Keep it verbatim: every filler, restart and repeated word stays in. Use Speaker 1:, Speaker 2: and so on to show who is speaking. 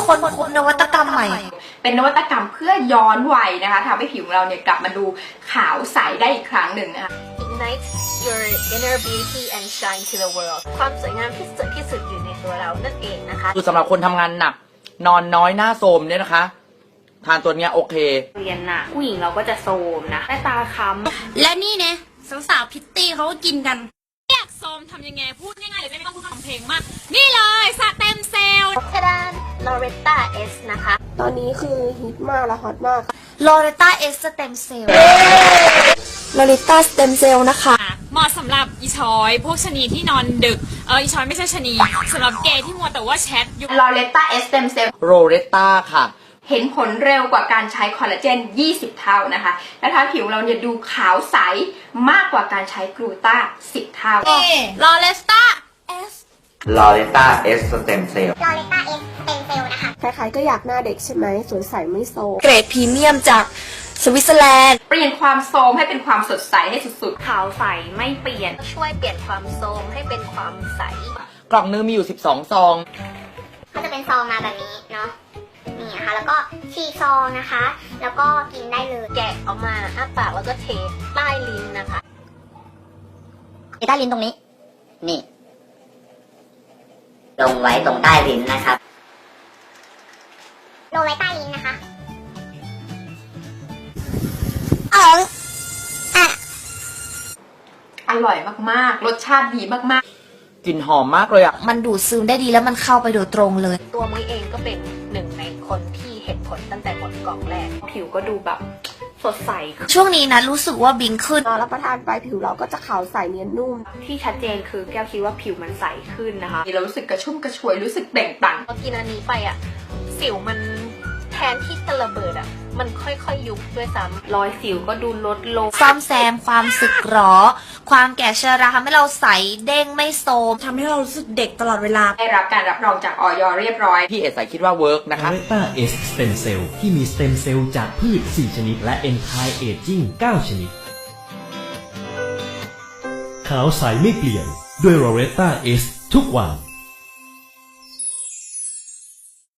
Speaker 1: ค้นพบนวัตกรรมใหม่
Speaker 2: เป็นนวัตกรรมเพื่อย้อนวัยนะคะทำให้ผิวของเราเนี่ยกลับมาดูขาวใสได้อีกครั้งหนึ่งนะคะ
Speaker 3: Ignite your inner beauty and shine to the world ความสวยงามที่สุดที่สุดอยู่ในตัวเรานั่นเองนะคะ
Speaker 4: คือสำหรับคนทำงานหนักนอนน้อยหน้าโทรมเนี่ยนะคะทานตัวเนี้ยโอเค
Speaker 5: เรียนน่ะผู้หญิงเราก็จะโทรมนะหน้าตาค้ำ
Speaker 1: และนี่เนี่ยสาวๆพิตตี้เขาก็กินกัน
Speaker 6: อยากโทรมทำยังไงพูดง่ายๆเลยไม่ต้องพูดคำเพลงมากนี่เลยสเต็มเซลล์
Speaker 3: ทดาน Loretta S นะคะ
Speaker 7: ตอนนี้คือฮิตมากและฮอตมาก
Speaker 1: Loretta S Stem Cell
Speaker 7: Loretta Stem Cell นะคะ
Speaker 6: เหมาะสำหรับอีชอยพวกชนีที่นอนดึกเอออีชอยไม่ใช่ชนีสำหรับเกย์ที่มัวแต่ว่าแชทอยู่
Speaker 2: Loretta S Stem Cell
Speaker 4: โรเรตตาค่ะ
Speaker 2: เห็นผลเร็วกว่าการใช้คอลลาเจนยี่สิบเท่านะคะและทำให้ผิวเราเนี่ยดูขาวใสมากกว่าการใช้กลูต้าสิบเท่า
Speaker 1: Loretta S
Speaker 4: ลอเรตตาเอสสเต็มเซลล์
Speaker 3: Loretta S Stem Cell นะคะ
Speaker 7: ใครๆก็อยากหน้าเด็กใช่ไหมสวยใสไม่โซม
Speaker 1: เกรดพรีเมียมจากสวิตเซอร์แลนด์
Speaker 2: เปลี่ยนความโทรมให้เป็นความสดใสให้สุด
Speaker 5: ขาวใสไม่เปลี่ยน
Speaker 3: ช่วยเปลี่ยนความโทรมให้เป็นความใส
Speaker 4: กล่องนึงมีอยู่สิบสองซอง
Speaker 8: ก็จะเป็นซองมาแบบนี้เนาะนี่นะคะแล้วก็ฉีกซองนะคะ แล้วก็กินได้เลย
Speaker 3: แกะออกมาอ้าปากแล้วก็เทใต้ลิ้นนะคะ
Speaker 8: ที่ใต้ลิ้นตรงนี้นี่ลงไว้ตรงใต้ลิ้นนะครับลงไว้ใต้ลิ้นนะคะอ๋ออ่ะ
Speaker 2: ๆอร่อยมากๆรสชาติดีมากๆ
Speaker 4: กลิ่นหอมมากเลยอ่ะ
Speaker 1: มันดูดซึมได้ดีแล้วมันเข้าไปโดยตรงเลย
Speaker 3: ตัวมุ้ยเองก็เป็นหนึ่งในคนที่เห็นผลตั้งแต่หมดกล่องแรกผิวก็ดูแบบสดใส
Speaker 1: ช่วงนี้นะรู้สึกว่าบิงขึ้น
Speaker 7: ตอนรับประทานไปผิวเราก็จะขาวใสเนียนนุ่ม
Speaker 5: ที่ชัดเจนคือแก้วคิดว่าผิวมันใสขึ้นนะคะ
Speaker 2: เรารู้สึกกระชุ่มกระชวยรู้สึกเปล่งปลั่ง
Speaker 3: พอกินอันนี้ไปอ่ะสิวมันแทนที่จะระเบิดอ่ะมันค่อยๆยุบด้วยซ้ำ
Speaker 5: รอยสิวก็ดูลดลง
Speaker 1: ซ่อมแซมความสึกหรอความแก่ชราทำให้เราใสเด้งไม่โทรมทำให้เรารู้สึกเด็กตลอดเวลา
Speaker 2: ได้รับการรับรองจากอย.เรียบร้อย
Speaker 4: พี่เอสายคิดว่าเวิร์กนะคะ
Speaker 9: Loretta S Stem Cell ที่มีสเต็มเซลล์จากพืชสี่ชนิดและ Anti Aging เก้าชนิดขาวใสไม่เปลี่ยนด้วย Loretta S ทุกวัน